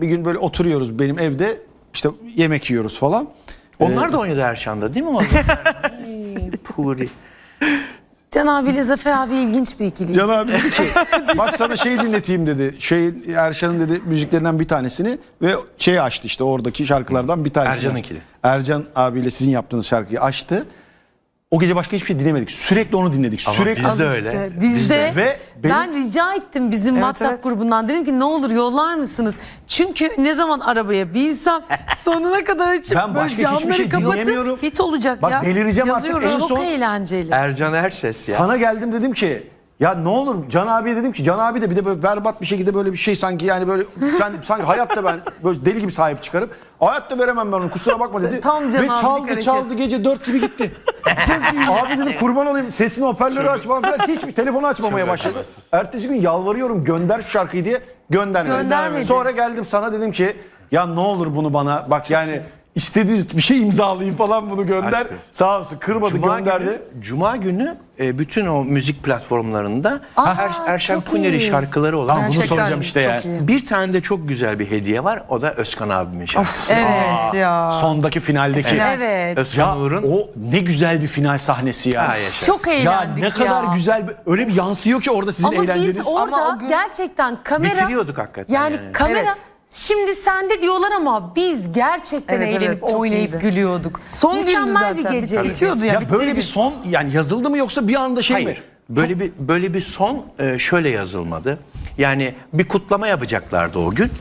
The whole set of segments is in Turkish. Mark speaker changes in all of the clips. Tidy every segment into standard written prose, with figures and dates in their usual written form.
Speaker 1: bir gün böyle oturuyoruz benim evde, işte yemek yiyoruz falan.
Speaker 2: Onlar da oynadı Erşan'da değil mi? Puri.
Speaker 3: Can abiyle Zafer abi ilginç bir ikili.
Speaker 1: Can abi dedi ki bak sana şeyi dinleteyim dedi. Erşan'ın dedi müziklerinden bir tanesini ve şeyi açtı, işte oradaki şarkılardan bir tanesini.
Speaker 2: Ercan'ınkini.
Speaker 1: Ercan abiyle sizin yaptığınız şarkıyı açtı. O gece başka hiçbir şey dinlemedik. Sürekli onu dinledik.
Speaker 2: Ama
Speaker 1: Sürekli.
Speaker 2: biz de
Speaker 3: Al
Speaker 2: öyle.
Speaker 3: işte, biz de.
Speaker 1: Ve
Speaker 3: Ben rica ettim bizim WhatsApp
Speaker 4: evet.
Speaker 3: grubundan. Dedim ki ne olur yollar mısınız? Çünkü ne zaman arabaya binsem sonuna kadar açıp
Speaker 1: Ben
Speaker 3: böyle
Speaker 1: başka hiçbir
Speaker 3: camları
Speaker 1: şey
Speaker 3: kapatıp
Speaker 1: dinleyemiyorum.
Speaker 4: Hit olacak
Speaker 1: Bak
Speaker 4: ya.
Speaker 1: delireceğim artık.
Speaker 4: Yazıyoruz.
Speaker 1: En
Speaker 3: çok
Speaker 1: son
Speaker 3: eğlenceli.
Speaker 2: Ercan Erses ya.
Speaker 1: sana geldim, dedim ki ya ne olur Can abiye dedim ki Can abi de bir de böyle berbat bir şekilde böyle bir şey sanki, yani böyle ben sanki hayatta ben böyle deli gibi sahip çıkarıp hayatta veremem ben onu, kusura bakma dedi.
Speaker 3: Tam Can
Speaker 1: ve
Speaker 3: abilik
Speaker 1: çaldı
Speaker 3: hareket.
Speaker 1: gece 4 gibi gitti. Abi dedim kurban olayım, sesini hoparlörü açmam falan, hiçbir telefonu açmamaya başladı. Ertesi gün yalvarıyorum gönder şu şarkıyı diye, göndermedi.
Speaker 3: Göndermedi.
Speaker 1: Sonra geldim sana dedim ki ya ne olur bunu bana bak yani istediği bir şey imzalayayım falan, bunu gönder.
Speaker 2: Aşk olsun.
Speaker 1: Sağ olsun kırmadı, gönderdi.
Speaker 2: Cuma günü bütün o müzik platformlarında Erşan
Speaker 3: çok
Speaker 2: Kuneri
Speaker 3: iyi.
Speaker 2: şarkıları olan.
Speaker 1: Tamam, bunu
Speaker 4: Gerçekten
Speaker 1: soracağım işte
Speaker 4: çok
Speaker 1: ya.
Speaker 4: iyi.
Speaker 2: Bir tane de çok güzel bir hediye var. O da Özkan abimin şarkısı.
Speaker 4: Evet ya.
Speaker 1: Sondaki finaldeki.
Speaker 4: Final.
Speaker 3: Evet.
Speaker 2: Özkan
Speaker 1: Ya
Speaker 2: Uğur'un.
Speaker 1: o ne güzel bir final sahnesi ya.
Speaker 2: Ha, yaşa.
Speaker 3: Çok
Speaker 1: Ya
Speaker 3: eğlendik
Speaker 1: ne kadar güzel, öyle bir yansıyor ki orada sizin
Speaker 3: Ama
Speaker 1: eğlenceniz.
Speaker 3: biz orada
Speaker 4: Ama o gün
Speaker 3: gerçekten kamera...
Speaker 2: Bitiriyorduk hakikaten
Speaker 3: Yani
Speaker 2: yani.
Speaker 3: kamera...
Speaker 4: Evet.
Speaker 3: Şimdi sende diyorlar ama biz gerçekten
Speaker 4: Evet,
Speaker 3: eğlenip
Speaker 4: evet, çok
Speaker 3: oynayıp
Speaker 4: iyiydi.
Speaker 3: gülüyorduk.
Speaker 4: Son gündü
Speaker 3: Mükemmel
Speaker 4: zaten.
Speaker 3: bir geceydi.
Speaker 4: Bitiyordu ya.
Speaker 1: Ya
Speaker 4: bitti
Speaker 1: böyle
Speaker 4: gibi.
Speaker 1: bir son yani yazıldı mı yoksa bir anda şey mi?
Speaker 2: Hayır. Böyle bir son şöyle yazılmadı. Yani bir kutlama yapacaklardı o gün.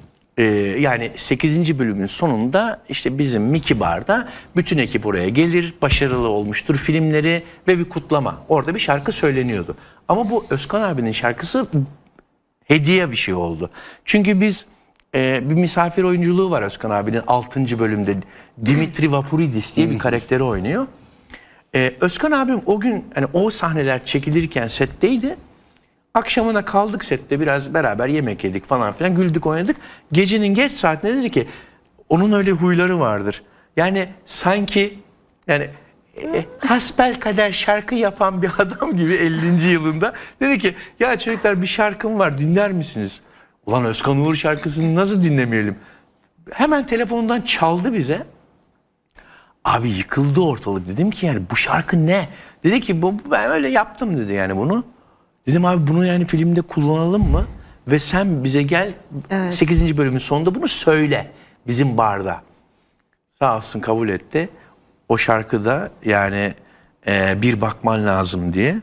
Speaker 2: Yani 8. bölümün sonunda işte bizim Mickey Bar'da bütün ekip oraya gelir, başarılı olmuştur filmleri ve bir kutlama. Orada bir şarkı söyleniyordu. Ama bu Özkan abinin şarkısı hediye bir şey oldu. Çünkü biz bir misafir oyunculuğu var Özkan abinin 6. bölümde. Dimitri Vapuridis diye bir karakteri oynuyor. Özkan abim o gün hani o sahneler çekilirken setteydi. Akşamına kaldık sette, biraz beraber yemek yedik falan filan, güldük oynadık. Gecenin geç saatinde dedi ki onun öyle huyları vardır. Yani sanki yani hasbelkader şarkı yapan bir adam gibi 50. yılında dedi ki ya çocuklar bir şarkım var dinler misiniz? Ulan Özkan Uğur şarkısını nasıl dinlemeyelim? Hemen telefonundan çaldı bize. Abi yıkıldı ortalık. Dedim ki yani bu şarkı ne? Dedi ki ben öyle yaptım dedi yani bunu. Dedim abi bunu yani filmde kullanalım mı? Ve sen bize gel 8. bölümün sonunda bunu söyle bizim barda. Sağ olsun kabul etti. O şarkıda yani bir bakman lazım diye.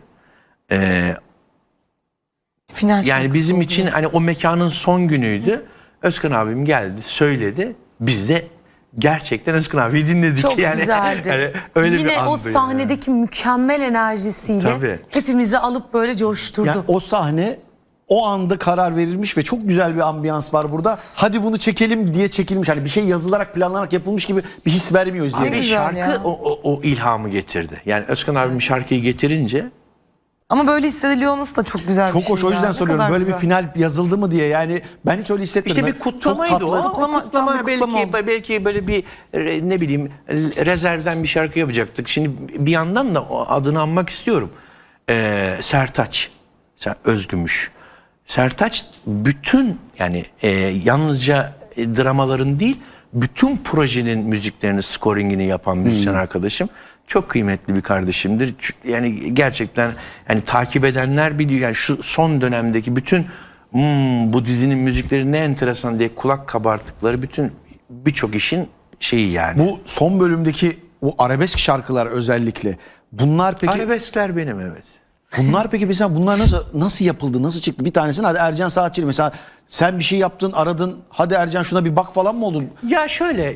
Speaker 4: Final
Speaker 2: Yani
Speaker 4: şarkısı
Speaker 2: bizim
Speaker 4: oldu
Speaker 2: için
Speaker 4: resmen.
Speaker 2: hani o mekanın son günüydü. Özkan abim geldi söyledi. Biz de gerçekten Özkan abiyi dinledik.
Speaker 3: Çok
Speaker 2: yani,
Speaker 3: güzeldi.
Speaker 2: Yani öyle
Speaker 3: Yine
Speaker 2: bir andı
Speaker 3: o
Speaker 2: yani.
Speaker 3: sahnedeki mükemmel enerjisiyle
Speaker 2: Tabii.
Speaker 3: hepimizi alıp böyle coşturdu.
Speaker 1: Yani o sahne o anda karar verilmiş ve çok güzel bir ambiyans var burada. Hadi bunu çekelim diye çekilmiş. Hani bir şey yazılarak planlanarak yapılmış gibi bir his vermiyor izleyiciye.
Speaker 2: Abi
Speaker 4: güzel
Speaker 2: şarkı
Speaker 4: ya.
Speaker 2: o ilhamı getirdi. Yani Özkan abim şarkıyı getirince
Speaker 4: Ama böyle hissediliyor olması da çok güzel bir
Speaker 1: Çok
Speaker 4: şey.
Speaker 1: hoş, o yüzden
Speaker 4: ya. Ne
Speaker 1: soruyorum.
Speaker 4: kadar
Speaker 1: Böyle
Speaker 4: güzel.
Speaker 1: bir final yazıldı mı diye. Yani ben hiç öyle hissetmedim.
Speaker 2: işte bir
Speaker 1: Çok
Speaker 2: kutlamaydı
Speaker 1: tatlı.
Speaker 2: o.
Speaker 4: Kutlama,
Speaker 2: Kutlama
Speaker 4: tam bir kutlama oldu.
Speaker 2: belki böyle bir ne bileyim rezervden bir şarkı yapacaktık. Şimdi bir yandan da o adını anmak istiyorum. Sertaç, Özgümüş. Sertaç bütün yani yalnızca dramaların değil bütün projenin müziklerini, scoringini yapan müzisyen arkadaşım. Çok kıymetli bir kardeşimdir. Yani gerçekten yani takip edenler biliyor. Yani şu son dönemdeki bütün bu dizinin müzikleri ne enteresan diye kulak kabarttıkları birçok işin şeyi yani.
Speaker 1: Bu son bölümdeki o arabesk şarkılar özellikle. Bunlar peki
Speaker 2: Arabeskler benim evet.
Speaker 1: mesela bunlar nasıl yapıldı? Nasıl çıktı? Bir tanesini hadi Ercan Saatçı'yla mesela sen bir şey yaptın, aradın. Hadi Ercan şuna bir bak falan mı oldun?
Speaker 2: Ya şöyle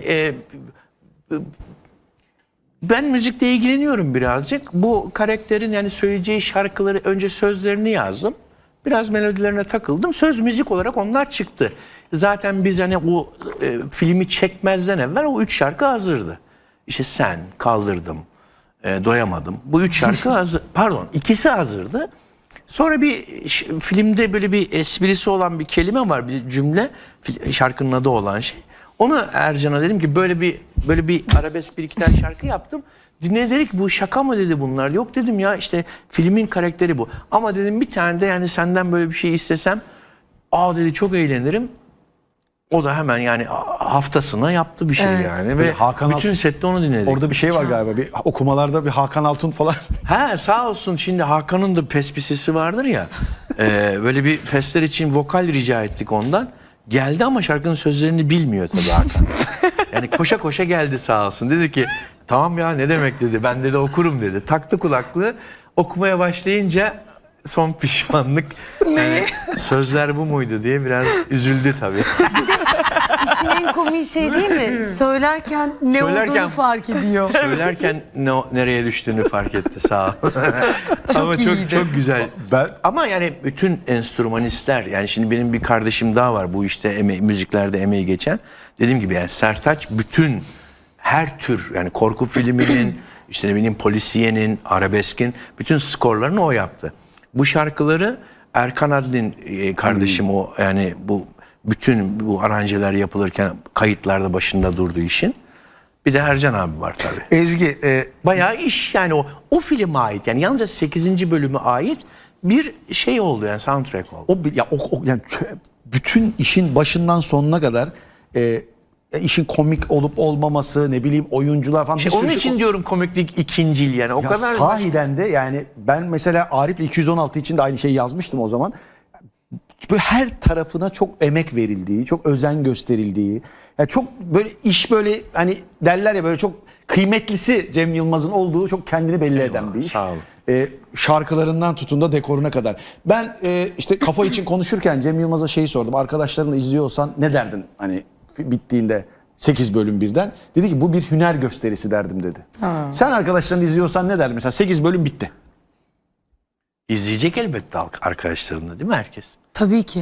Speaker 2: ben müzikle ilgileniyorum birazcık. Bu karakterin yani söyleyeceği şarkıları önce sözlerini yazdım. Biraz melodilerine takıldım. Söz müzik olarak onlar çıktı. Zaten biz hani o filmi çekmezden evvel o 3 şarkı hazırdı. İşte Sen, Kaldırdım, Doyamadım. Bu 3 şarkı hazır. Pardon, ikisi hazırdı. Sonra bir filmde böyle bir esprisi olan bir kelime var, bir cümle, şarkının adı olan şey. Onu Ercan'a dedim ki böyle bir arabesk bir iki tane şarkı yaptım. Dinle dedik bu şaka mı dedi bunlar. Yok dedim ya işte filmin karakteri bu. Ama dedim bir tane de yani senden böyle bir şey istesem dedi çok eğlenirim. O da hemen yani haftasına yaptı bir şey
Speaker 3: Evet.
Speaker 2: yani ve
Speaker 1: Hakan
Speaker 2: bütün sette onu dinledik.
Speaker 1: Orada bir şey var galiba. Bir okumalarda bir Hakan Altun falan.
Speaker 2: Ha sağ olsun, şimdi Hakan'ın da pespisisi vardır ya. Böyle bir pesler için vokal rica ettik ondan. Geldi ama şarkının sözlerini bilmiyor tabii Hakan. Yani koşa koşa geldi sağ olsun. Dedi ki tamam ya ne demek dedi. Ben de okurum dedi. Taktı kulaklığı. Okumaya başlayınca son pişmanlık. Yani sözler bu muydu diye biraz üzüldü tabii.
Speaker 3: İşin en komik şey değil mi? Söylerken ne olduğunu fark ediyor.
Speaker 2: Söylerken nereye düştüğünü fark etti sağ ol. Ama çok güzel. Ama yani bütün enstrümanistler, yani şimdi benim bir kardeşim daha var bu işte müziklerde emeği geçen. Dediğim gibi yani Sertaç bütün her tür, yani korku filminin, işte ne bileyim polisiyenin, arabeskin bütün skorlarını o yaptı. Bu şarkıları Erkan Adlin kardeşim o yani bütün bu aranjeler yapılırken kayıtlarda başında durduğu işin. Bir de Ercan abi var tabii.
Speaker 1: Ezgi,
Speaker 2: Bayağı iş yani o filme ait, yani yalnızca 8. bölüme ait bir şey oldu yani, soundtrack oldu.
Speaker 1: yani bütün işin başından sonuna kadar işin komik olup olmaması, ne bileyim oyuncular falan.
Speaker 2: İşte
Speaker 1: bir
Speaker 2: onun
Speaker 1: sürü
Speaker 2: için diyorum komiklik ikincil yani o
Speaker 1: Ya
Speaker 2: kadar.
Speaker 1: sahiden de yani ben mesela Arif'le 216 için de aynı şeyi yazmıştım o zaman. Böyle her tarafına çok emek verildiği, çok özen gösterildiği, yani çok böyle iş böyle hani derler ya böyle çok kıymetlisi Cem Yılmaz'ın olduğu çok kendini belli eden bir iş.
Speaker 2: Sağ olun.
Speaker 1: Şarkılarından tutun da dekoruna kadar. Ben işte kafa için konuşurken Cem Yılmaz'a şeyi sordum. Arkadaşlarınla izliyorsan ne derdin hani bittiğinde 8 bölüm birden? Dedi ki bu bir hüner gösterisi derdim dedi. Sen arkadaşlarını izliyorsan ne derdin? Mesela 8 bölüm bitti.
Speaker 2: İzleyecek elbette arkadaşlarında değil mi herkes?
Speaker 3: Tabii ki.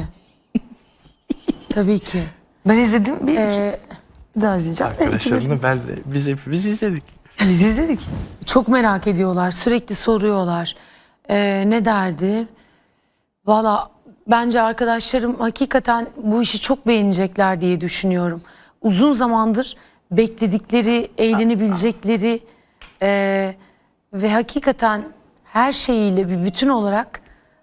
Speaker 3: Tabii ki.
Speaker 4: Ben izledim bir daha izleyeceğim.
Speaker 2: Arkadaşlarını ben de, biz hepimiz izledik.
Speaker 4: Biz izledik.
Speaker 3: Çok merak ediyorlar. Sürekli soruyorlar. Ne derdi? Valla bence arkadaşlarım hakikaten bu işi çok beğenecekler diye düşünüyorum. Uzun zamandır bekledikleri, eğlenebilecekleri ve hakikaten her şeyiyle bir bütün olarak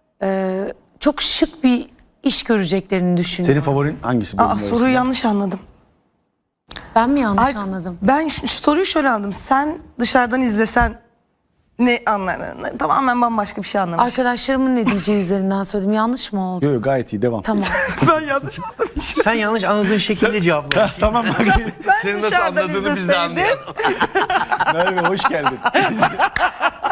Speaker 3: çok şık bir iş göreceklerini düşünüyorum.
Speaker 1: Senin favorin hangisi? bölüm
Speaker 4: Soruyu
Speaker 1: arasında?
Speaker 4: yanlış anladım.
Speaker 3: Ben mi yanlış anladım?
Speaker 4: Ben şu soruyu şöyle anladım. Sen dışarıdan izlesen ne anlardın? Tamamen bambaşka bir şey anlamış.
Speaker 3: Arkadaşlarımın ne diyeceği üzerinden söyledim. Yanlış mı oldu?
Speaker 1: Yok yok, gayet iyi, devam.
Speaker 3: Tamam.
Speaker 4: Ben yanlış anladım.
Speaker 2: Sen yanlış anladığın şekilde cevapla.
Speaker 1: Tamam bak.
Speaker 2: Senin nasıl
Speaker 4: dışarıdan
Speaker 2: anladığını biz de
Speaker 4: izleseydim.
Speaker 2: anlayalım.
Speaker 1: Merve hoş geldin.